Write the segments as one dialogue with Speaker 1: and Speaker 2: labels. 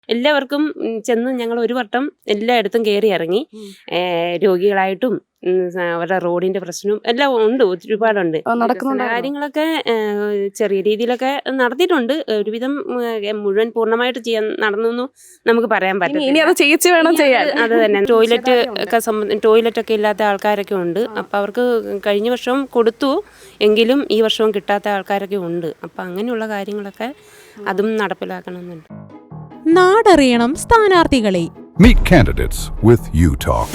Speaker 1: എല്ലാവർക്കും ചെന്ന് ഞങ്ങൾ ഒരു വട്ടം എല്ലായിടത്തും കയറി ഇറങ്ങി. രോഗികളായിട്ടും അവരുടെ റോഡിന്റെ പ്രശ്നവും എല്ലാം ഉണ്ട്, ഒരുപാടുണ്ട്. കാര്യങ്ങളൊക്കെ ചെറിയ രീതിയിലൊക്കെ നടത്തിയിട്ടുണ്ട്. ഒരുവിധം മുഴുവൻ പൂർണ്ണമായിട്ട് ചെയ്യാൻ നടന്നു നമുക്ക് പറയാൻ പറ്റില്ല. അത് തന്നെ ടോയ്ലറ്റ് ഒക്കെ ഇല്ലാത്ത ആൾക്കാരൊക്കെ ഉണ്ട്. അപ്പം അവർക്ക് കഴിഞ്ഞ വർഷവും കൊടുത്തു, എങ്കിലും ഈ വർഷവും കിട്ടാത്ത ആൾക്കാരൊക്കെ ഉണ്ട്. അപ്പം അങ്ങനെയുള്ള കാര്യങ്ങളൊക്കെ അതും നടപ്പിലാക്കണമെന്നുണ്ട്.
Speaker 2: നാടറിയണം സ്ഥാനാർത്ഥികളെ.
Speaker 3: Meet candidates with UTalk.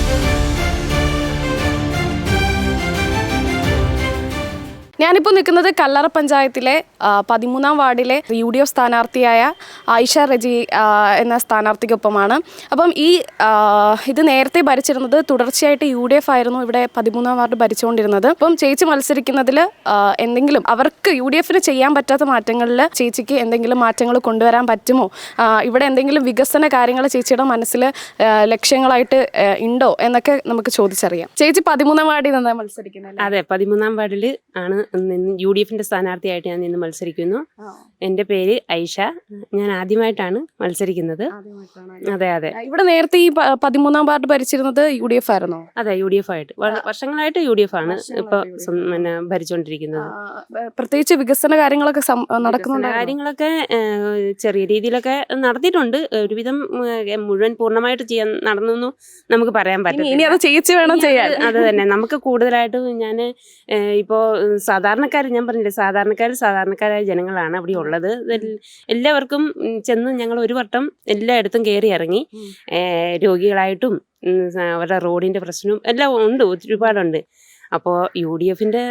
Speaker 4: ഞാനിപ്പോൾ നിൽക്കുന്നത് കല്ലറ പഞ്ചായത്തിലെ 13-ാം വാർഡിലെ UDF സ്ഥാനാർത്ഥിയായ ആയിഷ റജി എന്ന സ്ഥാനാർത്ഥിക്കൊപ്പമാണ്. അപ്പം ഇത് നേരത്തെ ഭരിച്ചിരുന്നത് തുടർച്ചയായിട്ട് UDF ആയിരുന്നു ഇവിടെ 13-ാം വാർഡ് ഭരിച്ചുകൊണ്ടിരുന്നത്. അപ്പം ചേച്ചി മത്സരിക്കുന്നതിൽ എന്തെങ്കിലും അവർക്ക് UDFന് ചെയ്യാൻ പറ്റാത്ത മാറ്റങ്ങളിൽ ചേച്ചിക്ക് എന്തെങ്കിലും മാറ്റങ്ങൾ കൊണ്ടുവരാൻ പറ്റുമോ? ഇവിടെ എന്തെങ്കിലും വികസന കാര്യങ്ങൾ ചേച്ചിയുടെ മനസ്സിൽ ലക്ഷ്യങ്ങളായിട്ട് ഉണ്ടോ എന്നൊക്കെ നമുക്ക് ചോദിച്ചറിയാം. ചേച്ചി 13-ാം വാർഡിൽ നിന്നാണ് മത്സരിക്കുന്നത്.
Speaker 1: അതെ, 13-ാം വാർഡിൽ ആണ് UDFന്റെ സ്ഥാനാർത്ഥിയായിട്ട് ഞാൻ നിന്ന് മത്സരിക്കുന്നു. എൻ്റെ പേര് ഐഷ. ഞാൻ ആദ്യമായിട്ടാണ് മത്സരിക്കുന്നത്. അതെ അതെ.
Speaker 4: ഇവിടെ നേരത്തെ ഈ 13-ാം വാർഡ് ഭരിച്ചിരുന്നത് UDF ആയിരുന്നോ?
Speaker 1: അതെ, UDF ആയിട്ട് വർഷങ്ങളായിട്ട് UDF ആണ് ഇപ്പൊ ഭരിച്ചുകൊണ്ടിരിക്കുന്നത്.
Speaker 4: പ്രത്യേകിച്ച് വികസന കാര്യങ്ങളൊക്കെ നടക്കുന്നുണ്ട്.
Speaker 1: കാര്യങ്ങളൊക്കെ ചെറിയ രീതിയിലൊക്കെ നടത്തിയിട്ടുണ്ട്. ഒരുവിധം മുഴുവൻ പൂർണ്ണമായിട്ട് ചെയ്യാൻ നടന്നു നമുക്ക് പറയാൻ പറ്റില്ല. അത് തന്നെ. നമുക്ക് കൂടുതലായിട്ടും ഞാൻ ഇപ്പോ ഞാൻ പറഞ്ഞില്ലേ, സാധാരണക്കാരായ ജനങ്ങളാണ് അവിടെ ഉള്ളത്. എല്ലാവർക്കും ചെന്ന് ഞങ്ങൾ ഒരു വട്ടം എല്ലായിടത്തും കയറി ഇറങ്ങി. രോഗികളായിട്ടും അവരുടെ റോഡിന്റെ പ്രശ്നവും എല്ലാം ഉണ്ട്, ഒരുപാടുണ്ട്. അപ്പോൾ UDFന്റെ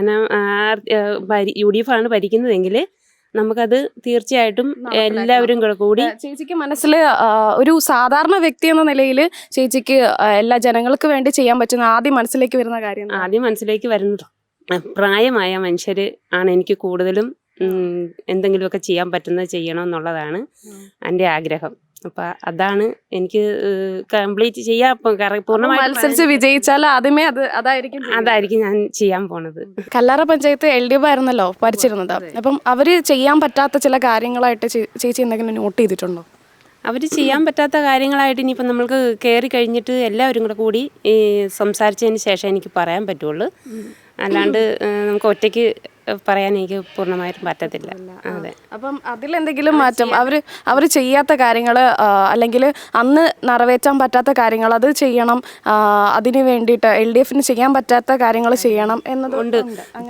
Speaker 1: UDF ആണ് ഭരിക്കുന്നതെങ്കിൽ നമുക്കത് തീർച്ചയായിട്ടും എല്ലാവരും കൂടി.
Speaker 4: ചേച്ചിക്ക് മനസ്സിൽ ഒരു സാധാരണ വ്യക്തി എന്ന നിലയിൽ ചേച്ചിക്ക് എല്ലാ ജനങ്ങൾക്ക് വേണ്ടി ചെയ്യാൻ പറ്റുന്ന ആദ്യം മനസ്സിലേക്ക്
Speaker 1: വരുന്നത് പ്രായമായ മനുഷ്യർ ആണ് എനിക്ക് കൂടുതലും എന്തെങ്കിലുമൊക്കെ ചെയ്യാൻ പറ്റുന്നത് ചെയ്യണമെന്നുള്ളതാണ് എൻ്റെ ആഗ്രഹം. അപ്പം അതാണ് എനിക്ക് കംപ്ലീറ്റ് ചെയ്യാൻ
Speaker 4: പൂർണ്ണമായി വിജയിച്ചാൽ ആദ്യമേ
Speaker 1: അതായിരിക്കും ഞാൻ ചെയ്യാൻ പോണത്.
Speaker 4: കല്ലറ പഞ്ചായത്ത് LDF ആയിരുന്നല്ലോ ഭരിച്ചിരുന്നത്. അപ്പം അവര് ചെയ്യാൻ പറ്റാത്ത ചില കാര്യങ്ങളായിട്ട് ചേച്ചി എന്തെങ്കിലും നോട്ട് ചെയ്തിട്ടുണ്ടോ?
Speaker 1: അവർ ചെയ്യാൻ പറ്റാത്ത കാര്യങ്ങളായിട്ട് ഇനിയിപ്പം നമ്മൾക്ക് കയറി കഴിഞ്ഞിട്ട് എല്ലാവരും കൂടി സംസാരിച്ചതിന് ശേഷം എനിക്ക് പറയാൻ പറ്റുള്ളൂ. അല്ലാണ്ട് നമുക്ക് ഒറ്റയ്ക്ക് പറയാൻ എനിക്ക് പൂർണ്ണമായിട്ടും പറ്റത്തില്ല. അതെ.
Speaker 4: അപ്പം അതിലെന്തെങ്കിലും മാറ്റം അവർ ചെയ്യാത്ത കാര്യങ്ങൾ അല്ലെങ്കിൽ അന്ന് നിറവേറ്റാൻ പറ്റാത്ത കാര്യങ്ങൾ അത് ചെയ്യണം, അതിന് വേണ്ടിയിട്ട് LDFന് ചെയ്യാൻ പറ്റാത്ത കാര്യങ്ങൾ ചെയ്യണം എന്നതുകൊണ്ട്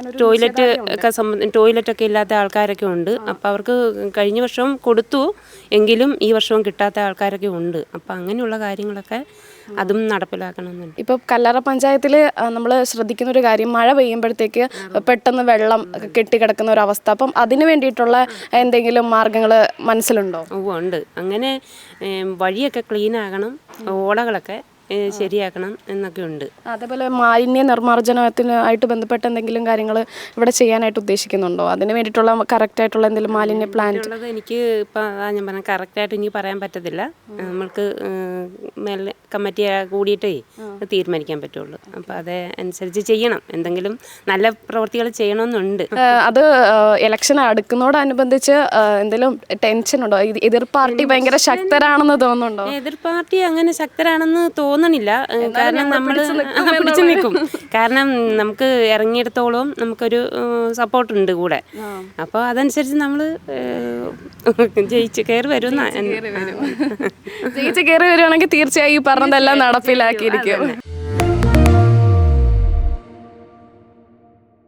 Speaker 1: ടോയ്ലറ്റ് ഒക്കെ ഇല്ലാത്ത ആൾക്കാരൊക്കെ ഉണ്ട്. അപ്പം അവർക്ക് കഴിഞ്ഞ വർഷവും കൊടുത്തു, എങ്കിലും ഈ വർഷവും കിട്ടാത്ത ആൾക്കാരൊക്കെ ഉണ്ട്. അപ്പം അങ്ങനെയുള്ള കാര്യങ്ങളൊക്കെ അതും നടപ്പിലാക്കണമെന്നുണ്ട്.
Speaker 4: ഇപ്പോൾ കല്ലറ പഞ്ചായത്തിൽ നമ്മൾ ശ്രദ്ധിക്കുന്ന ഒരു കാര്യം, മഴ പെയ്യുമ്പോഴത്തേക്ക് പെട്ടെന്ന് വെള്ളം കെട്ടിക്കിടക്കുന്ന ഒരു അവസ്ഥ. അപ്പം അതിന് വേണ്ടിയിട്ടുള്ള എന്തെങ്കിലും മാർഗങ്ങൾ മനസ്സിലുണ്ടോ?
Speaker 1: ഉണ്ട്. അങ്ങനെ വഴിയൊക്കെ ക്ലീൻ ആകണം, ഓടകളൊക്കെ ശരിയാക്കണം എന്നൊക്കെ ഉണ്ട്.
Speaker 4: അതേപോലെ മാലിന്യ നിർമ്മാർജ്ജനത്തിനായിട്ട് ബന്ധപ്പെട്ട എന്തെങ്കിലും കാര്യങ്ങൾ ഇവിടെ ചെയ്യാനായിട്ട് ഉദ്ദേശിക്കുന്നുണ്ടോ? അതിന് വേണ്ടിയിട്ടുള്ള കറക്റ്റായിട്ടുള്ള എന്തെങ്കിലും മാലിന്യ പ്ലാൻ
Speaker 1: എനിക്ക് ഇപ്പം ഞാൻ പറഞ്ഞ കറക്റ്റായിട്ട് എനിക്ക് പറയാൻ പറ്റത്തില്ല. നമ്മൾക്ക് കമ്മിറ്റി കൂടിയിട്ടേ തീരുമാനിക്കാൻ പറ്റുള്ളൂ. അപ്പം അതനുസരിച്ച് ചെയ്യണം, എന്തെങ്കിലും നല്ല പ്രവൃത്തികൾ ചെയ്യണമെന്നുണ്ട്.
Speaker 4: അത് ഇലക്ഷൻ അടുക്കുന്നതോടനുബന്ധിച്ച് എന്തെങ്കിലും ടെൻഷൻ ഉണ്ടോ? എതിർ പാർട്ടി ഭയങ്കര ശക്തരാണെന്ന് തോന്നുന്നുണ്ടോ?
Speaker 1: എതിർ പാർട്ടി അങ്ങനെ ശക്തരാണെന്ന് തോന്നുന്നില്ല. കാരണം നമ്മൾ പിടിച്ചു നിൽക്കും. കാരണം നമുക്ക് ഇറങ്ങിയിടത്തോളം നമുക്കൊരു സപ്പോർട്ടുണ്ട് കൂടെ. അപ്പോൾ അതനുസരിച്ച് നമ്മൾ ജയിച്ച് കയറി വരുവാണെങ്കിൽ
Speaker 4: തീർച്ചയായും പറഞ്ഞതെല്ലാം നടപ്പിലാക്കിയിരിക്കും.